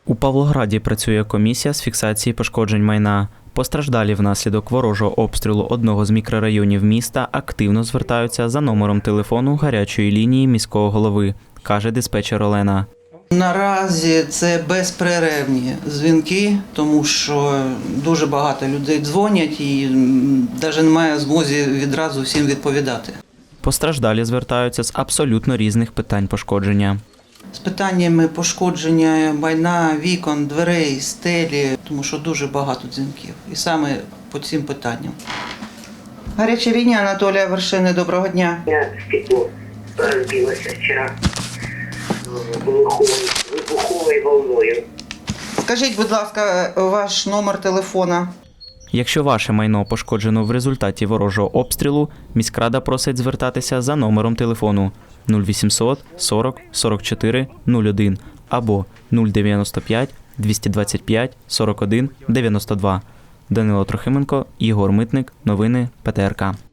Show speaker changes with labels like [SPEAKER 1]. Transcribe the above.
[SPEAKER 1] У Павлограді працює комісія з фіксації пошкоджень майна. Постраждалі внаслідок ворожого обстрілу одного з мікрорайонів міста активно звертаються за номером телефону гарячої лінії міського голови, каже диспетчер Олена.
[SPEAKER 2] Наразі це безперервні дзвінки, тому що дуже багато людей дзвонять і навіть немає змоги відразу всім відповідати.
[SPEAKER 1] Постраждалі звертаються з абсолютно різних питань пошкодження.
[SPEAKER 2] З питаннями пошкодження майна, вікон, дверей, стелі, тому що дуже багато дзвінків. І саме по цим питанням. Гаряча лінія, Анатолія Вершини, доброго дня.
[SPEAKER 3] Стекло разбилось вчера вибуховою волною.
[SPEAKER 2] Скажіть, будь ласка, ваш номер телефона.
[SPEAKER 1] Якщо ваше майно пошкоджено в результаті ворожого обстрілу, міськрада просить звертатися за номером телефону 0800 40 44 01 або 095 225 41 92. Данило Трохименко, Ігор Митник. Новини ПТРК.